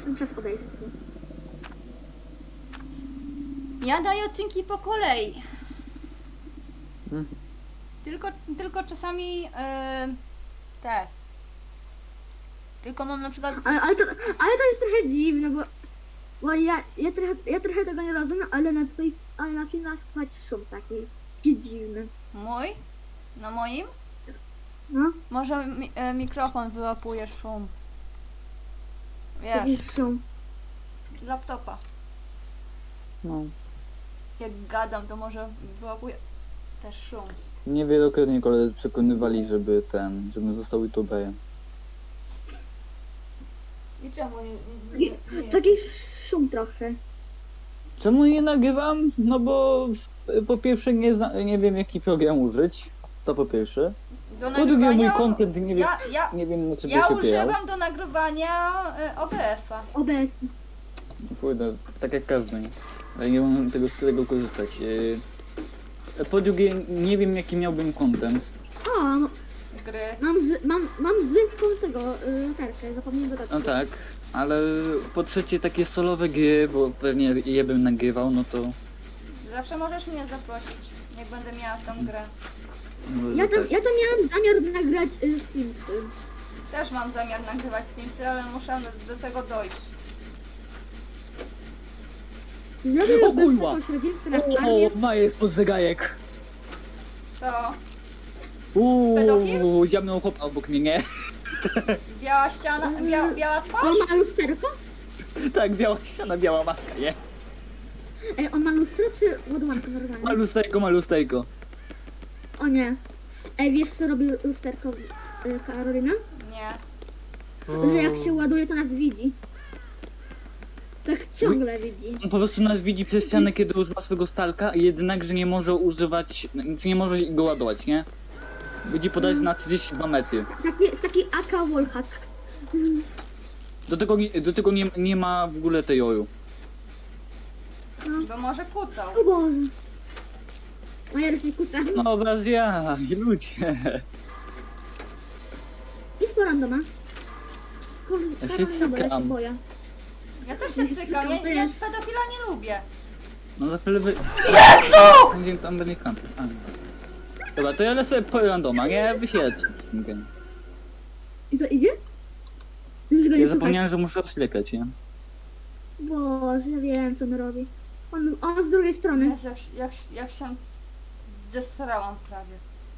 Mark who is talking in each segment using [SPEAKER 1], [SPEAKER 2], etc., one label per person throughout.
[SPEAKER 1] ten czas obejrzeć.
[SPEAKER 2] Ja daję odcinki po kolei.
[SPEAKER 3] Hmm.
[SPEAKER 2] Tylko czasami te. Tylko mam na przykład.
[SPEAKER 1] Ale to jest trochę dziwne, bo ja trochę tego nie rozumiem, ale na filmach słychać szum taki dziwny.
[SPEAKER 2] Mój? Na moim?
[SPEAKER 1] No,
[SPEAKER 2] Może mikrofon wyłapuje szum.
[SPEAKER 1] taki
[SPEAKER 2] Wiesz,
[SPEAKER 1] szum.
[SPEAKER 2] laptopa.
[SPEAKER 3] No.
[SPEAKER 2] Jak gadam, to może wyłapuje też szum.
[SPEAKER 3] Niewielokrotnie koledzy przekonywali, żebym został youtuberem.
[SPEAKER 2] I czemu nie
[SPEAKER 1] Taki szum trochę.
[SPEAKER 3] Czemu nie nagrywam? No bo po pierwsze nie wiem jaki program użyć. To po pierwsze.
[SPEAKER 2] Do
[SPEAKER 3] Po drugie mój
[SPEAKER 2] nagrywania.
[SPEAKER 3] content nie wiem, nie wiem na czym
[SPEAKER 2] Ja
[SPEAKER 3] się opierał.
[SPEAKER 2] używam do nagrywania OBS-a.
[SPEAKER 1] OBS.
[SPEAKER 3] Kurde, tak jak każdy. Ale nie mam z tego korzystać. Po drugie nie wiem jaki miałbym content.
[SPEAKER 1] O,
[SPEAKER 2] Gry.
[SPEAKER 1] mam zwykłą latarkę, zapomniałem dodać.
[SPEAKER 3] No tak, ale po trzecie takie solowe gry, bo pewnie je bym nagrywał, no to...
[SPEAKER 2] Zawsze możesz mnie zaprosić, jak będę miała w tą grę.
[SPEAKER 1] Ja tam miałam zamiar nagrać Simsy.
[SPEAKER 2] Też mam zamiar nagrywać Simsy, ale muszę do tego dojść.
[SPEAKER 1] Zrobię
[SPEAKER 3] O kurwa!
[SPEAKER 1] jakąś rodzinkę na farmie.
[SPEAKER 3] O, ma jest pod zegajek!
[SPEAKER 2] Co? Pedofil?
[SPEAKER 3] Ziamnął chłop obok mnie, nie?
[SPEAKER 2] Biała ściana, biała twarz?
[SPEAKER 1] On ma lusterko?
[SPEAKER 3] Tak, biała ściana, biała maska, nie?
[SPEAKER 1] On ma lustro czy ładowankę normalnie?
[SPEAKER 3] Malustejko.
[SPEAKER 1] O nie. Wiesz co robi lusterko Karolina?
[SPEAKER 2] Nie.
[SPEAKER 1] Że jak się ładuje, to nas widzi. Tak ciągle widzi.
[SPEAKER 3] On po prostu nas widzi przez ścianę, kiedy używa swego stalka, jednakże nie może używać, nie może go ładować, nie? Widzi podać na 32 metry.
[SPEAKER 1] Taki AK wallhack.
[SPEAKER 3] Do tego nie ma w ogóle tej oju.
[SPEAKER 2] Bo może kłócał.
[SPEAKER 1] O Boże. Moja rysi kuca.
[SPEAKER 3] No obraz ja, ludzie.
[SPEAKER 1] Idź po randoma.
[SPEAKER 3] Ja się
[SPEAKER 1] Karolina, bo ja się
[SPEAKER 3] cykam.
[SPEAKER 1] boję.
[SPEAKER 2] Ja też się cykam, ja pedofila nie lubię.
[SPEAKER 3] No za chwilę
[SPEAKER 2] Jezu!
[SPEAKER 3] będzie tam będzie kampił. Dobra, to ja lecę po randoma, nie? Wy się
[SPEAKER 1] I co, idzie? Już go nie
[SPEAKER 3] Ja
[SPEAKER 1] słychać.
[SPEAKER 3] zapomniałem, że muszę oślepiać, nie?
[SPEAKER 1] Boże, ja wiem co on robi. On z drugiej strony.
[SPEAKER 2] Jezu, jak się zesrałam prawie.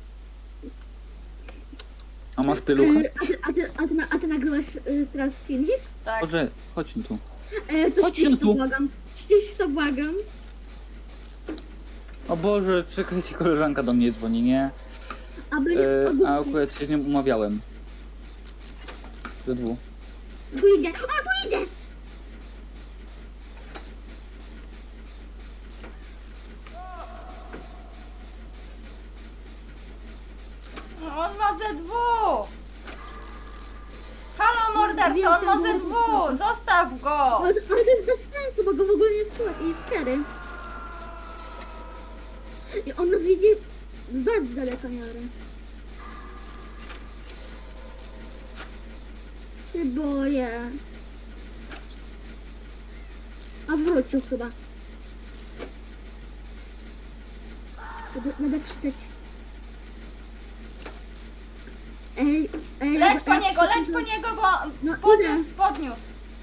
[SPEAKER 3] A masz pieluchę?
[SPEAKER 1] A ty nagrywasz teraz filmik?
[SPEAKER 2] Tak.
[SPEAKER 3] Boże, chodź tu.
[SPEAKER 1] To
[SPEAKER 3] Chodź
[SPEAKER 1] ścisz to
[SPEAKER 3] tu.
[SPEAKER 1] błagam. Ścisz to błagam.
[SPEAKER 3] O Boże, czekajcie, koleżanka do mnie dzwoni, nie?
[SPEAKER 1] Aby nie
[SPEAKER 3] A akurat się z nią umawiałem. Ze dwóch.
[SPEAKER 1] Tu idzie. O, tu idzie!
[SPEAKER 2] On ma ZW! Halo morderco, on ma ZW! Zostaw go!
[SPEAKER 1] Ale to jest bez sensu, bo go w ogóle nie słychać i jest stary. I on nas widzi z bardzo daleko miarę. Się boję. A wrócił chyba. Będę krzyczeć.
[SPEAKER 2] Leć po niego, bo
[SPEAKER 1] No,
[SPEAKER 2] podniósł.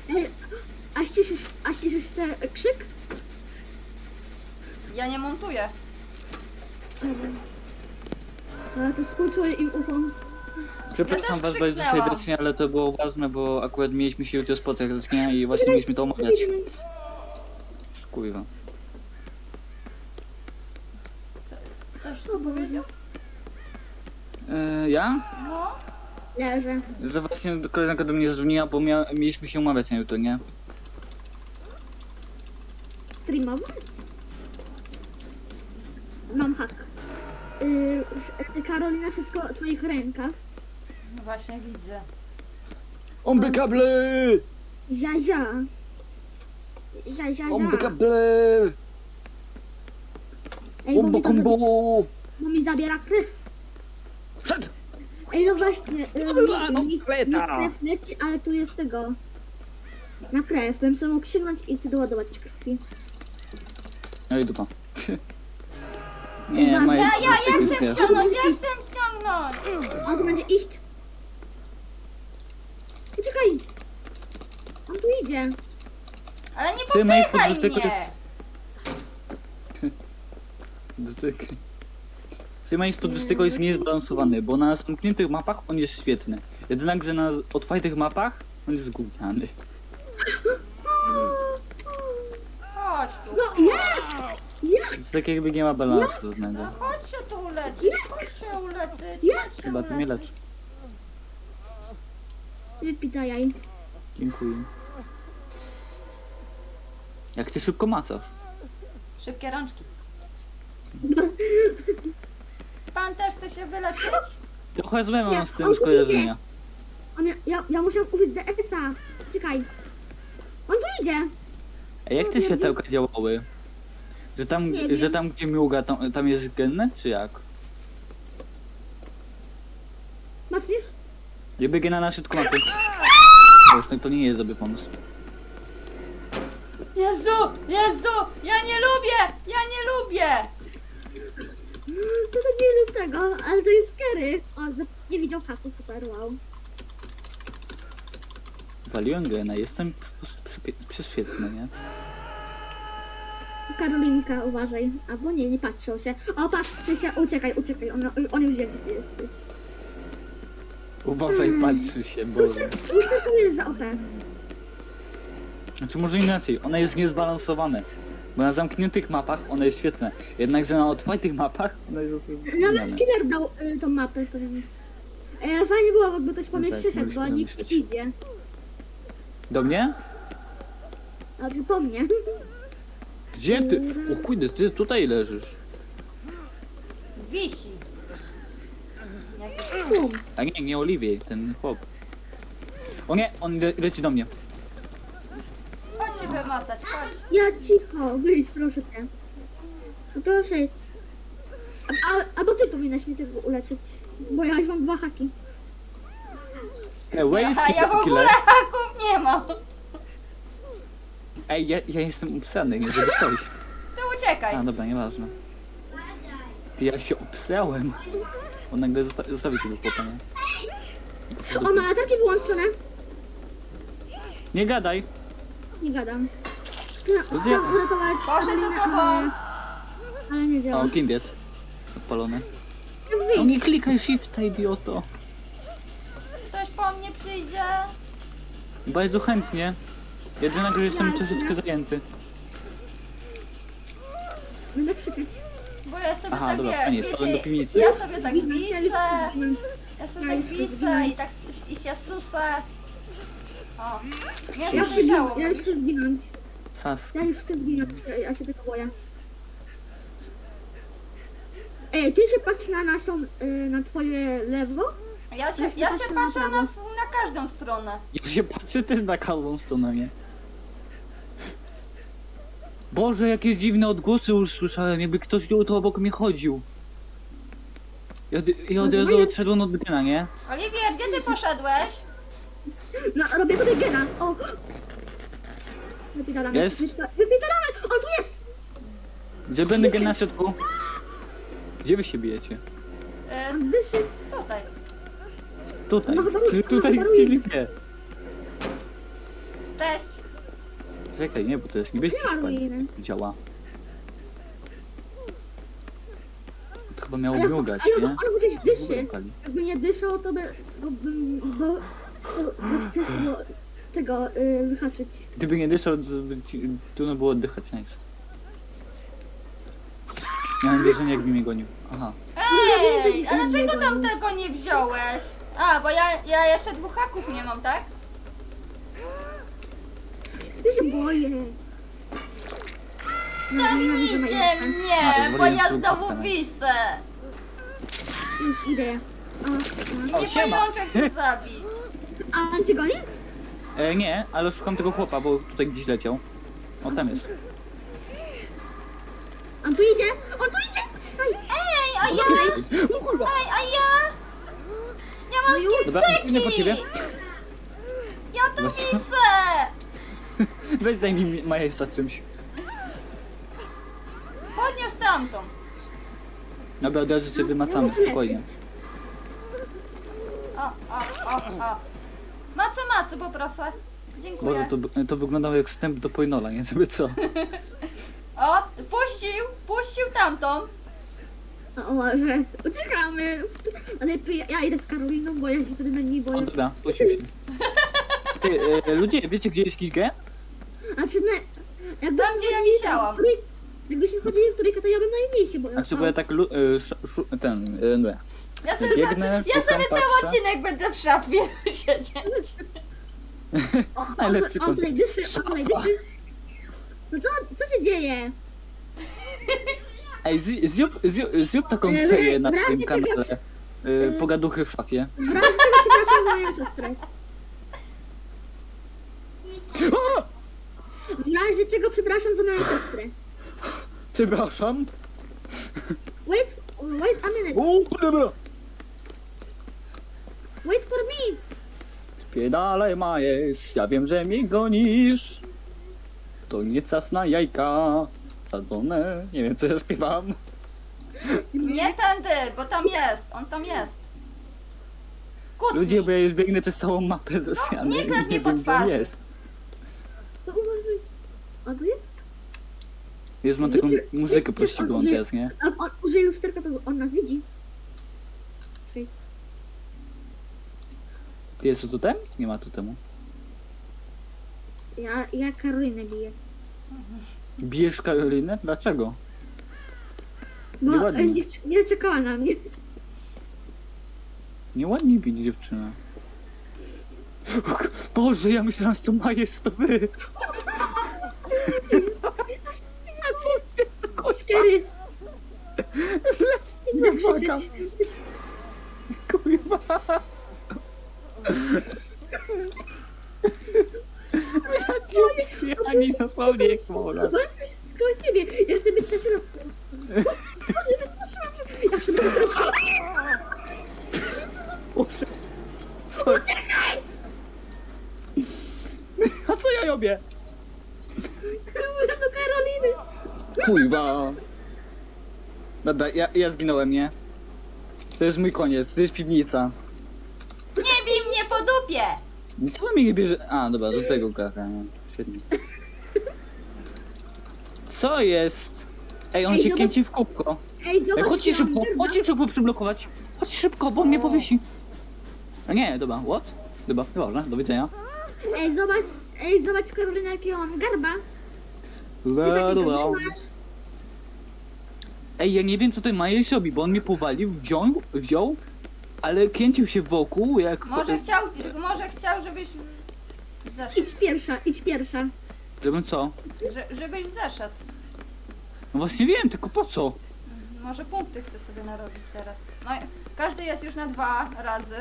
[SPEAKER 1] A ściszysz ten krzyk?
[SPEAKER 2] Ja nie montuję.
[SPEAKER 1] A to współczuję im ucho.
[SPEAKER 3] Przepraszam
[SPEAKER 2] też
[SPEAKER 3] was bardzo
[SPEAKER 2] krzyknęłam.
[SPEAKER 3] serdecznie, ale to było ważne, bo akurat mieliśmy się jutro spotkać, nie? I właśnie mieliśmy to omawiać. Kurwa.
[SPEAKER 2] Coś tu powiedział?
[SPEAKER 3] Ja?
[SPEAKER 2] No.
[SPEAKER 1] Leżę.
[SPEAKER 3] Że właśnie koleżanka do mnie zadzwoniła, bo mieliśmy się umawiać na jutro, nie?
[SPEAKER 1] Streamować? Mam hak. Karolina, wszystko w twoich rękach.
[SPEAKER 2] No właśnie widzę.
[SPEAKER 3] Omby kable!
[SPEAKER 1] Zia.
[SPEAKER 3] Omby kable!
[SPEAKER 1] Ej, bo
[SPEAKER 3] Ombo
[SPEAKER 1] mi,
[SPEAKER 3] kombo!
[SPEAKER 1] bo mi zabiera krew.
[SPEAKER 3] Przed!
[SPEAKER 1] Ej, no właśnie.
[SPEAKER 3] No,
[SPEAKER 1] Mi
[SPEAKER 3] kleta!
[SPEAKER 1] krew leci, ale tu jest tego. Na krew, bym sobie mógł sięgnąć i sobie doładować krwi.
[SPEAKER 3] No i dupa. Nie,
[SPEAKER 1] Uważaj.
[SPEAKER 3] Maja,
[SPEAKER 2] Ja chcę ściągnąć, ja chcę ściągnąć!
[SPEAKER 1] On tu będzie iść. Poczekaj. On tu idzie.
[SPEAKER 2] Ale nie
[SPEAKER 3] Ty, Maj,
[SPEAKER 2] popychaj
[SPEAKER 3] podrzutek
[SPEAKER 2] mnie!
[SPEAKER 3] Dotyk. Trzymaj spod tego jest niezbalansowany, bo na zamkniętych mapach on jest świetny. Jednakże na otwartych mapach on jest gówniany.
[SPEAKER 2] Chodź tu.
[SPEAKER 1] No jest! Jest!
[SPEAKER 3] To jest tak jakby nie ma balansu żadnego.
[SPEAKER 2] No chodź się tu uleczyć, chodź się uleczyć,
[SPEAKER 1] Ja.
[SPEAKER 2] chodź się
[SPEAKER 3] Chyba ty mnie
[SPEAKER 2] uleczyć.
[SPEAKER 1] Wypita jaj.
[SPEAKER 3] Dziękuję. Jak ty szybko macasz.
[SPEAKER 2] Szybkie rączki. Pan też chce się wyleczyć?
[SPEAKER 3] Trochę złe
[SPEAKER 1] Nie,
[SPEAKER 3] mam z
[SPEAKER 1] on
[SPEAKER 3] tym
[SPEAKER 1] tu
[SPEAKER 3] skojarzenia.
[SPEAKER 1] Ja muszę użyć DS-a. Czekaj. On tu idzie.
[SPEAKER 3] A jak te światełka działały?
[SPEAKER 1] Nie wiem.
[SPEAKER 3] Że tam gdzie miuga, tam jest genne, czy jak?
[SPEAKER 1] Macniesz?
[SPEAKER 3] Ja biegę na szybko mapy. To nie jest dobry pomysł.
[SPEAKER 2] Jezu, Jezu, ja nie lubię, ja nie lubię!
[SPEAKER 1] To tak nie lub tego, ale to jest scary. O, nie widział haku, super, wow.
[SPEAKER 3] Waliłem gena, jestem prześwietny, nie?
[SPEAKER 1] Karolinka, uważaj. Albo nie patrzą się. O, patrzy się, uciekaj, on już wie, gdzie ty jesteś.
[SPEAKER 3] Uważaj, patrzy się, bo...
[SPEAKER 1] Ustęp jest za OP.
[SPEAKER 3] Znaczy może inaczej, ona jest niezbalansowana. Bo na zamkniętych mapach ona jest świetna. Jednakże na otwartych mapach ona jest
[SPEAKER 1] Nawet killer dał tą mapę, to więc... fajnie było, jakby ktoś po mnie
[SPEAKER 3] tak,
[SPEAKER 1] przyszedł,
[SPEAKER 3] musimy
[SPEAKER 1] bo nikt
[SPEAKER 3] myśleć.
[SPEAKER 1] nie idzie.
[SPEAKER 3] Do mnie?
[SPEAKER 1] Znaczy po mnie.
[SPEAKER 3] Gdzie ty? O kurde, ty tutaj leżysz.
[SPEAKER 2] Wisi.
[SPEAKER 1] Bum.
[SPEAKER 3] A nie Oliwiej, ten chłop. O nie, on leci do mnie.
[SPEAKER 2] Chodź się wymacać, chodź.
[SPEAKER 1] Ja cicho, wyjdź proszę cię. No proszę. Albo ty powinnaś mi tego uleczyć, bo ja już mam 2 haki.
[SPEAKER 3] Wait,
[SPEAKER 2] A ja w ogóle haków nie mam.
[SPEAKER 3] Ej, ja jestem upsany, nie żeby coś.
[SPEAKER 2] Ty uciekaj.
[SPEAKER 3] A dobra, nieważne. Ty, ja się obsrałem. On nagle zostawił tego chłopa, nie?
[SPEAKER 1] O, ma latarki wyłączone.
[SPEAKER 3] Nie gadaj.
[SPEAKER 1] Nie gadam. Trzeba
[SPEAKER 3] Gdzie?
[SPEAKER 1] uratować
[SPEAKER 2] Poszedł
[SPEAKER 1] Karolinę,
[SPEAKER 2] za tobą.
[SPEAKER 1] ale nie działa.
[SPEAKER 3] O, Kimbiet. Odpalony.
[SPEAKER 1] No
[SPEAKER 3] No
[SPEAKER 1] wyjdź.
[SPEAKER 3] nie klikaj shifta, idioto.
[SPEAKER 2] Ktoś po mnie przyjdzie.
[SPEAKER 3] Bardzo chętnie. Jedynak, że jestem troszeczkę zajęty.
[SPEAKER 1] Będę krzyczeć.
[SPEAKER 2] Bo ja sobie
[SPEAKER 3] Aha,
[SPEAKER 2] tak
[SPEAKER 3] dobra,
[SPEAKER 2] wie,
[SPEAKER 3] fajnie, to
[SPEAKER 2] wiecie,
[SPEAKER 3] do piwnicy.
[SPEAKER 2] ja sobie tak
[SPEAKER 1] Zginąć, ja już
[SPEAKER 2] wisę,
[SPEAKER 1] chcę zginąć.
[SPEAKER 2] ja sobie
[SPEAKER 1] Ja
[SPEAKER 2] tak
[SPEAKER 1] już chcę
[SPEAKER 2] wisę
[SPEAKER 1] zginąć.
[SPEAKER 2] i tak i się susę. O, mnie
[SPEAKER 1] Ja
[SPEAKER 2] zadejrzało.
[SPEAKER 1] już chcę zginąć.
[SPEAKER 3] Sas.
[SPEAKER 1] Ja już chcę zginąć, ja się tego boję. Ej, ty się patrz na naszą, na twoje lewo?
[SPEAKER 2] Ja się patrzę na każdą stronę.
[SPEAKER 3] Ja się patrzę też na każdą stronę, nie? Boże, jakie dziwne odgłosy już słyszałem, jakby ktoś tu obok mnie chodził. Ja od razu odszedłem od gena, nie?
[SPEAKER 2] Oliwier, gdzie ty poszedłeś?
[SPEAKER 1] No, robię tutaj gena. O! Wypitalamy.
[SPEAKER 3] Jest?
[SPEAKER 1] Wypitalamy! On tu jest!
[SPEAKER 3] Gdzie będę gen na środku? Gdzie wy się bijecie?
[SPEAKER 1] On dyszy.
[SPEAKER 2] Tutaj.
[SPEAKER 3] Tutaj.
[SPEAKER 1] No,
[SPEAKER 3] Tutaj
[SPEAKER 1] no,
[SPEAKER 3] czyli nie.
[SPEAKER 2] Cześć.
[SPEAKER 3] Czekaj, nie, bo to jest niebieski
[SPEAKER 1] Nie ma
[SPEAKER 3] szpan.
[SPEAKER 1] ruiny.
[SPEAKER 3] Działa. To chyba miało
[SPEAKER 1] Ale
[SPEAKER 3] miugać,
[SPEAKER 1] on
[SPEAKER 3] nie?
[SPEAKER 1] gdzieś
[SPEAKER 3] W ogóle
[SPEAKER 1] dyszy.
[SPEAKER 3] pali.
[SPEAKER 1] Jakby nie dyszał, to by ciężko było tego wyhaczyć.
[SPEAKER 3] Gdyby nie dyszał, to trudno było oddychać, nice. Miałem wrażenie, jakby mnie gonił. Aha.
[SPEAKER 2] Ej, a dlaczego tam tego nie wziąłeś? A, bo ja jeszcze 2 haków nie mam, tak?
[SPEAKER 1] Ja się boję.
[SPEAKER 2] Ciągnijcie
[SPEAKER 3] A,
[SPEAKER 2] mnie, bo
[SPEAKER 3] zwoliłem
[SPEAKER 2] ja
[SPEAKER 3] twój
[SPEAKER 2] znowu
[SPEAKER 3] kapitana.
[SPEAKER 2] wisę.
[SPEAKER 1] Już idę.
[SPEAKER 2] I
[SPEAKER 3] O,
[SPEAKER 2] mnie
[SPEAKER 3] siema.
[SPEAKER 2] pajączek chce zabić.
[SPEAKER 1] A on cię goni?
[SPEAKER 3] Nie, ale szukam tego chłopa, bo tutaj gdzieś leciał. O, tam jest.
[SPEAKER 1] On tu idzie! On tu idzie! Czekaj!
[SPEAKER 2] Ej, a ja?
[SPEAKER 3] O kurwa!
[SPEAKER 2] Ej, a ja? Ja mam
[SPEAKER 1] No już.
[SPEAKER 3] Dobra, biegnę po ciebie.
[SPEAKER 2] Ja tu wisę.
[SPEAKER 3] Weź zajmij Majesa czymś.
[SPEAKER 2] Podniósł tamtą.
[SPEAKER 3] Dobra, od razu cię wymacamy,
[SPEAKER 1] Ja muszę
[SPEAKER 3] spokojnie.
[SPEAKER 1] leczyć.
[SPEAKER 2] O. Macu, poproszę. Dziękuję.
[SPEAKER 3] Boże, to wyglądało jak wstęp do Pojnola, nie? Żeby co?
[SPEAKER 2] O, puścił tamtą.
[SPEAKER 1] O może, uciekamy. Ale ja idę z Karoliną, bo ja się wtedy na niej
[SPEAKER 3] O,
[SPEAKER 1] boję.
[SPEAKER 3] dobra, puścił się. Ty, ludzie, wiecie gdzie jest jakiś gen?
[SPEAKER 1] Znaczy, jakby
[SPEAKER 2] Tam, gdzie ja wisiałam.
[SPEAKER 1] Jakbyśmy chodzili w trójkę, to ja bym najmniej się boję.
[SPEAKER 3] Znaczy, bo ja tak, nie.
[SPEAKER 2] Ja sobie,
[SPEAKER 3] Biegnę,
[SPEAKER 2] ja sobie
[SPEAKER 3] szukam,
[SPEAKER 2] cały
[SPEAKER 3] patrzę.
[SPEAKER 2] odcinek będę w szafie siedzieć.
[SPEAKER 3] Najlepszy
[SPEAKER 1] o, tutaj dyszy. No co się dzieje?
[SPEAKER 3] Ej, zrób taką serię na swoim kanale. Pogaduchy w szafie.
[SPEAKER 1] W razie czego przepraszam za moją siostrę.
[SPEAKER 3] O!
[SPEAKER 1] W razie czego przepraszam za moją siostrę.
[SPEAKER 3] Przepraszam.
[SPEAKER 1] Wait a minute.
[SPEAKER 3] O, dobra.
[SPEAKER 1] Wait for me.
[SPEAKER 3] Spiedalaj Majes, ja wiem, że mnie gonisz. To nie czas na jajka sadzone. Nie wiem, co ja śpiewam.
[SPEAKER 2] Nie tędy, bo tam jest, on tam jest. Kucnij.
[SPEAKER 3] Ludzie, bo ja już biegnę przez całą mapę ze ściany.
[SPEAKER 2] nie klep
[SPEAKER 3] i
[SPEAKER 2] mnie po
[SPEAKER 3] wiem, gdzie
[SPEAKER 2] twarzy.
[SPEAKER 3] jest.
[SPEAKER 1] To uważaj. A tu jest?
[SPEAKER 3] Wiesz, mam taką
[SPEAKER 1] Wiecie,
[SPEAKER 3] muzykę
[SPEAKER 1] wiecie,
[SPEAKER 3] pościgłą
[SPEAKER 1] że-
[SPEAKER 3] teraz, nie?
[SPEAKER 1] A on użyje lusterka, to on nas widzi. Czekaj.
[SPEAKER 3] Jest tu totem? Nie ma totemu.
[SPEAKER 1] Ja Karolinę biję.
[SPEAKER 3] Bijesz Karolinę? Dlaczego?
[SPEAKER 1] Bo
[SPEAKER 3] Nieładnie.
[SPEAKER 1] nie czekała na mnie.
[SPEAKER 3] Nieładnie bić dziewczynę. Boże, ja myślałem, że to Majes, to wy.
[SPEAKER 1] Skery.
[SPEAKER 3] Zleccie
[SPEAKER 1] Będę
[SPEAKER 3] mnie, błagam.
[SPEAKER 1] krzyczeć.
[SPEAKER 3] Kurwa. Ja ani dosłownie jak słowa.
[SPEAKER 1] Bo ja chcę się koło siebie. Ja chcę być na środku. Boże, wyskoczyłam się. Ja chcę być na środku.
[SPEAKER 3] Boże. Uciekaj! A co ja robię?
[SPEAKER 1] Mówię do Karoliny.
[SPEAKER 3] Kurwa. Dobra, ja zginąłem, nie? To jest mój koniec, to jest piwnica.
[SPEAKER 2] Nie bij mnie po dupie.
[SPEAKER 3] Co mnie nie bierze? A, dobra, do tego kaka, nie? Świetnie. Co jest? Ej, on
[SPEAKER 1] Ej,
[SPEAKER 3] się
[SPEAKER 1] zobacz-
[SPEAKER 3] kręci w kółko.
[SPEAKER 1] Ej,
[SPEAKER 3] Ej,
[SPEAKER 1] zobacz,
[SPEAKER 3] chodźcie
[SPEAKER 1] ja mam
[SPEAKER 3] szybko,
[SPEAKER 1] garba.
[SPEAKER 3] chodźcie szybko przyblokować. Chodź szybko, bo mnie powiesi. A nie, dobra, what? Dobra, nieważne, do widzenia.
[SPEAKER 1] Ej, zobacz Karolina, jakiego mam garba. Ty
[SPEAKER 3] La,
[SPEAKER 1] takiego
[SPEAKER 3] la.
[SPEAKER 1] nie masz.
[SPEAKER 3] Ej, ja nie wiem co ten Majes robi, bo on mnie powalił, wziął, ale kręcił się wokół, jak...
[SPEAKER 2] Może chciał, żebyś zeszedł.
[SPEAKER 1] Idź pierwsza.
[SPEAKER 3] Żebym co?
[SPEAKER 2] Żebyś zeszedł.
[SPEAKER 3] No właśnie wiem, tylko po co?
[SPEAKER 2] Może punkty chcę sobie narobić teraz. No, każdy jest już na 2 razy.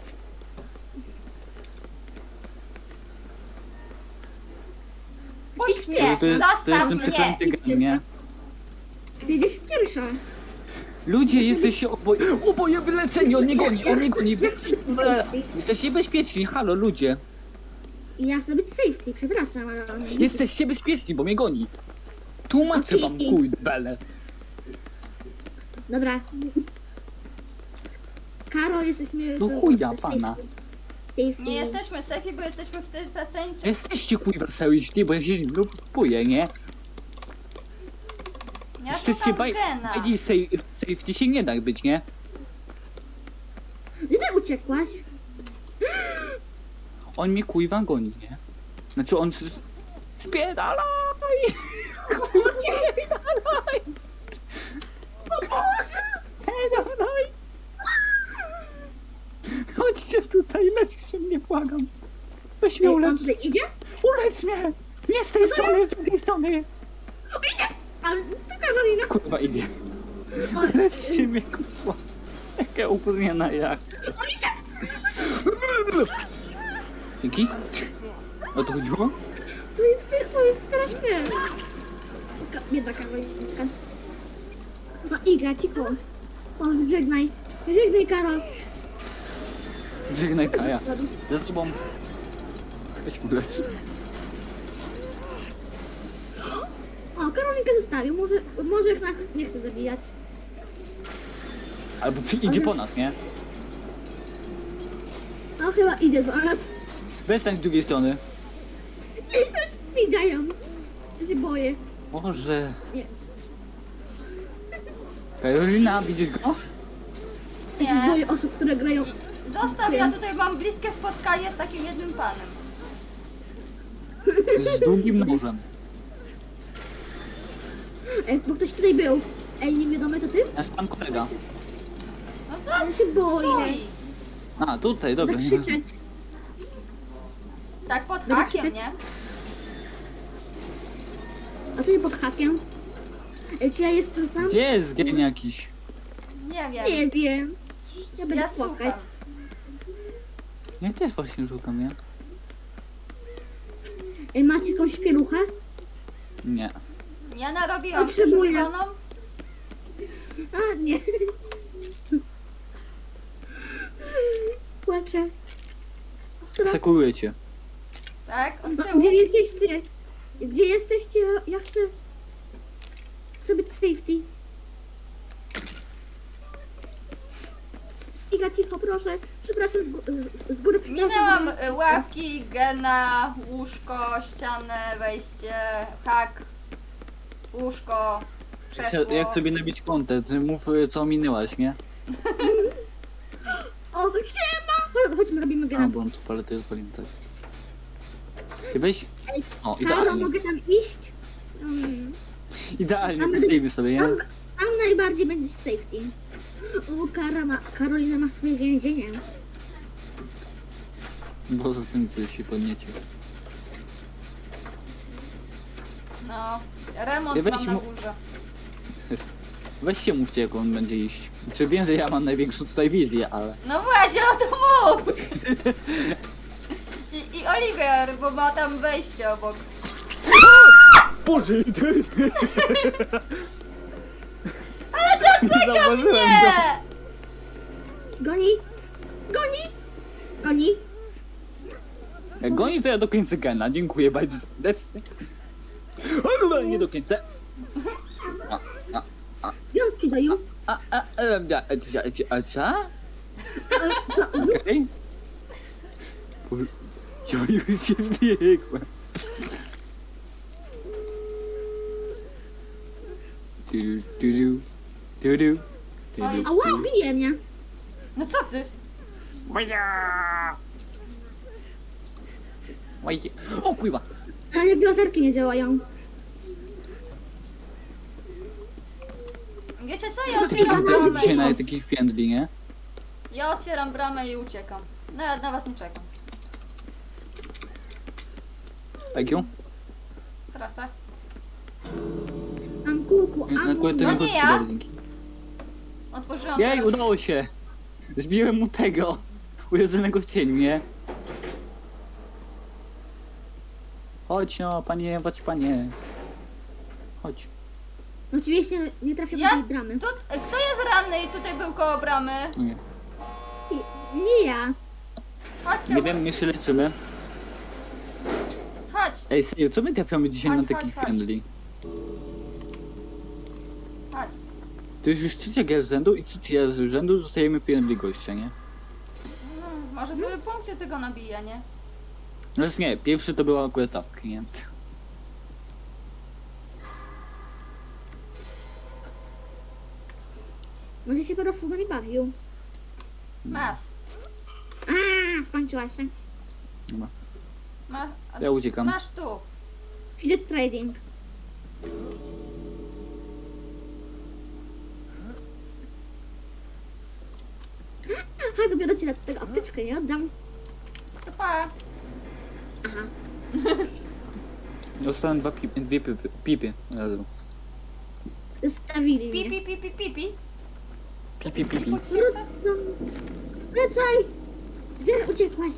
[SPEAKER 2] Puść mnie!
[SPEAKER 3] To jest
[SPEAKER 2] Zastaw
[SPEAKER 3] ten
[SPEAKER 2] mnie!
[SPEAKER 3] przeklęty
[SPEAKER 1] Idź
[SPEAKER 3] gen, nie?
[SPEAKER 1] Ty idziesz pierwsza.
[SPEAKER 3] Ludzie, jesteście oboje wyleceni, on mnie goni. Jesteście bezpieczni, halo ludzie.
[SPEAKER 1] Ja chcę być safety, przepraszam, ale...
[SPEAKER 3] Jesteście bezpieczni, bo mnie goni. Tłumaczę wam, kurde.
[SPEAKER 1] Dobra. Karol, jesteśmy...
[SPEAKER 3] No chuja, pana.
[SPEAKER 1] Safety.
[SPEAKER 2] Nie jesteśmy safe, bo jesteśmy w tej tańczy.
[SPEAKER 3] Jesteście kurwa seryjści, bo ja się kupuję, nie?
[SPEAKER 2] Ja
[SPEAKER 3] Jesteście
[SPEAKER 2] szukam gena.
[SPEAKER 3] safety się nie da być, nie?
[SPEAKER 1] Gdzie ty uciekłaś?
[SPEAKER 3] On mnie kurwa goni, nie? Znaczy on... Spierdalaj! Spierdalaj!
[SPEAKER 1] O Boże!
[SPEAKER 3] Spierdalaj! Chodźcie tutaj, lećcie mnie, błagam. Weź mnie
[SPEAKER 1] On
[SPEAKER 3] ulecz.
[SPEAKER 1] tutaj idzie?
[SPEAKER 3] Ulecz mnie! Nie z tej strony, z drugiej strony!
[SPEAKER 1] Ale to Karolina.
[SPEAKER 3] Kurwa idzie.
[SPEAKER 1] O,
[SPEAKER 3] Lećcie mnie, kurwa. Jaka upóźniona jak. Dzięki. O to chodziło?
[SPEAKER 1] to jest straszne. Biedna Karolinka. No Iga, cicho. O, żegnaj. Żegnaj, Karol.
[SPEAKER 3] Żegnaj Kaja. Ze sobą. Weź ulecz.
[SPEAKER 1] skrzynkę zostawił, może jak nas nie chce zabijać.
[SPEAKER 3] Albo idzie po nas, nie?
[SPEAKER 1] No chyba idzie do nas.
[SPEAKER 3] Westań z drugiej strony.
[SPEAKER 1] Widziałem. Ja się boję.
[SPEAKER 3] Boże.
[SPEAKER 1] Nie.
[SPEAKER 3] Karolina, widzisz go?
[SPEAKER 1] Ja się
[SPEAKER 2] Nie.
[SPEAKER 1] boję osób, które grają.
[SPEAKER 2] Zostaw, ja tutaj mam bliskie spotkanie z takim jednym panem.
[SPEAKER 3] Z długim nożem.
[SPEAKER 1] Bo ktoś tutaj był. Ej, niewiadomy to ty?
[SPEAKER 3] Nasz pan kolega.
[SPEAKER 2] No
[SPEAKER 1] Ja
[SPEAKER 2] zostaw,
[SPEAKER 1] się boję.
[SPEAKER 2] stój.
[SPEAKER 3] A, tutaj, dobra.
[SPEAKER 1] Zakrzyczeć.
[SPEAKER 2] Tak pod
[SPEAKER 1] Dobra,
[SPEAKER 2] hakiem,
[SPEAKER 1] krzyczeć.
[SPEAKER 2] nie?
[SPEAKER 1] A co nie pod hakiem? Ej, czy ja jestem sam?
[SPEAKER 3] Gdzie jest gen jakiś?
[SPEAKER 2] Nie wiem.
[SPEAKER 1] Nie wiem. Ja będę
[SPEAKER 2] słucham.
[SPEAKER 1] płakać.
[SPEAKER 3] Ja też właśnie szukam, nie?
[SPEAKER 1] Ej, macie jakąś pieluchę?
[SPEAKER 3] Nie.
[SPEAKER 2] Ja narobiłam
[SPEAKER 1] Potrzebuję.
[SPEAKER 2] przeszukaną.
[SPEAKER 1] A, nie. Płaczę. Strach.
[SPEAKER 3] Sekuruję cię.
[SPEAKER 2] Tak, od
[SPEAKER 1] No,
[SPEAKER 2] tyłu.
[SPEAKER 1] gdzie jesteście? Gdzie jesteście? Ja chcę być safety. Iga, cicho, proszę. Przepraszam, z góry przepraszam.
[SPEAKER 2] Minęłam ławki, gena, łóżko, ścianę, wejście, hak, łóżko, krzesło.
[SPEAKER 3] Jak sobie nabić kontę, ty mów co minęłaś, nie?
[SPEAKER 1] O, ściema! Chodźmy, robimy
[SPEAKER 3] A,
[SPEAKER 1] gena.
[SPEAKER 3] bo on tu paletę zwalił też. Ty weź...
[SPEAKER 1] Ej,
[SPEAKER 3] O,
[SPEAKER 1] Karo,
[SPEAKER 3] idealnie.
[SPEAKER 1] mogę tam iść?
[SPEAKER 3] Idealnie,
[SPEAKER 1] Tam
[SPEAKER 3] postawimy sobie, nie?
[SPEAKER 1] Tam najbardziej będziesz safety. O, Karolina ma swoje więzienie.
[SPEAKER 3] Bo za tym coś się podniecie.
[SPEAKER 2] No, remont
[SPEAKER 3] Ty weź
[SPEAKER 2] mam na
[SPEAKER 3] mu-
[SPEAKER 2] górze.
[SPEAKER 3] Weź się mówcie, jak on będzie iść. Czy wiem, że ja mam największą tutaj wizję, ale...
[SPEAKER 2] No właśnie, o to mów! I Oliver, bo ma tam wejście obok.
[SPEAKER 3] Boże,
[SPEAKER 2] Ale dotyka mnie!
[SPEAKER 1] Goni! Goni! Goni!
[SPEAKER 3] Jak goni, to ja dokończę gena. Dziękuję bardzo serdecznie. O, dobra, nie dokończę.
[SPEAKER 1] Gdzie on sprzedają?
[SPEAKER 3] Co?
[SPEAKER 1] Co?
[SPEAKER 3] Okej. Ja już się zbiegłem.
[SPEAKER 1] Ała, bije mnie.
[SPEAKER 2] No co ty?
[SPEAKER 3] O kurwa!
[SPEAKER 1] Ale blazerki nie działają.
[SPEAKER 2] Wiecie co,
[SPEAKER 3] Co
[SPEAKER 2] ja
[SPEAKER 3] ty
[SPEAKER 2] otwieram
[SPEAKER 3] tam
[SPEAKER 2] bramę
[SPEAKER 3] dzisiaj na
[SPEAKER 2] i...
[SPEAKER 3] takich friendly, nie?
[SPEAKER 2] Ja otwieram bramę i uciekam. No, ja na was nie czekam.
[SPEAKER 3] IQ?
[SPEAKER 2] Trasa.
[SPEAKER 1] Mam kółku,
[SPEAKER 3] Na kółko to
[SPEAKER 2] No
[SPEAKER 3] nie
[SPEAKER 2] nie
[SPEAKER 3] było
[SPEAKER 2] ja.
[SPEAKER 3] dzięki.
[SPEAKER 2] Otworzyłam
[SPEAKER 3] Jej,
[SPEAKER 2] teraz...
[SPEAKER 3] udało się! Zbiłem mu tego! Ujedzonego w cieniu, nie? Chodź no, panie, chodź panie. Chodź.
[SPEAKER 1] Oczywiście nie trafię do
[SPEAKER 2] Ja?
[SPEAKER 1] tej bramy.
[SPEAKER 2] Tu, kto jest ranny i tutaj był koło bramy?
[SPEAKER 3] Nie,
[SPEAKER 1] Nie ja.
[SPEAKER 2] Chodźcie,
[SPEAKER 3] nie wiem, my się leczymy.
[SPEAKER 2] chodź,
[SPEAKER 3] Ej, serio, co my trafiamy dzisiaj
[SPEAKER 2] Chodź,
[SPEAKER 3] na takich
[SPEAKER 2] chodź, chodź.
[SPEAKER 3] friendly?
[SPEAKER 2] chodź.
[SPEAKER 3] To jest już trzecia gra z rzędu i trzecia z rzędu zostajemy friendly gościa, nie?
[SPEAKER 2] Może sobie punkty tego nabija, nie?
[SPEAKER 3] Znaczy nie, pierwszy to była akurat tapki, nie?
[SPEAKER 1] Może się po prostu z nami bawił.
[SPEAKER 2] Mas.
[SPEAKER 1] A, skończyła się.
[SPEAKER 3] Dobra.
[SPEAKER 2] Ma,
[SPEAKER 3] Ja uciekam.
[SPEAKER 2] masz tu.
[SPEAKER 1] Fidget trading. Aha, dopiero ci na tego apteczkę nie oddam.
[SPEAKER 2] To pa.
[SPEAKER 1] Aha.
[SPEAKER 3] Dostałem dwie pipy razem.
[SPEAKER 1] Zostawili mnie.
[SPEAKER 2] Pipi, pipi, pipi.
[SPEAKER 3] Pipi, pipi.
[SPEAKER 2] Chodź się chce.
[SPEAKER 1] No, wracaj! Gdzie uciekłaś?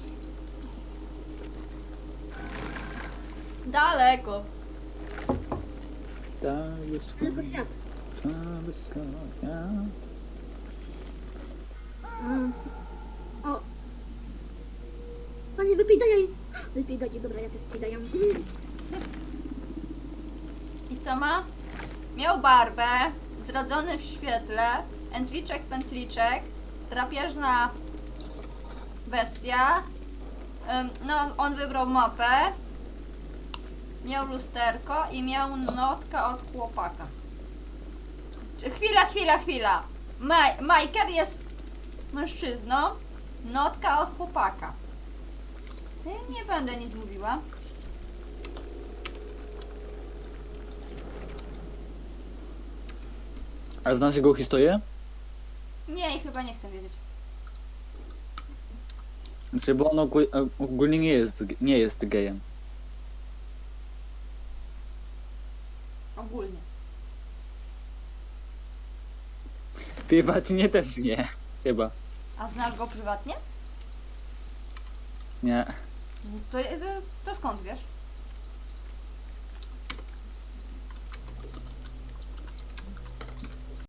[SPEAKER 2] Daleko.
[SPEAKER 1] Tylko świat. O. Panie, wypij daj. Wypij daj, dobra, ja też wypij daj.
[SPEAKER 2] I co ma? Miał barbę, zrodzony w świetle, entliczek, pętliczek, drapieżna bestia. No, on wybrał mapę. Miał lusterko i miał notka od chłopaka. Chwila. Majker jest mężczyzną, notka od chłopaka. Nie będę nic mówiła.
[SPEAKER 3] A znasz jego historię?
[SPEAKER 2] Nie, i chyba nie chcę wiedzieć.
[SPEAKER 3] Znaczy, bo on ogólnie nie jest gejem.
[SPEAKER 2] Ogólnie.
[SPEAKER 3] Prywatnie też nie. Chyba.
[SPEAKER 2] A znasz go prywatnie?
[SPEAKER 3] Nie.
[SPEAKER 2] To skąd wiesz?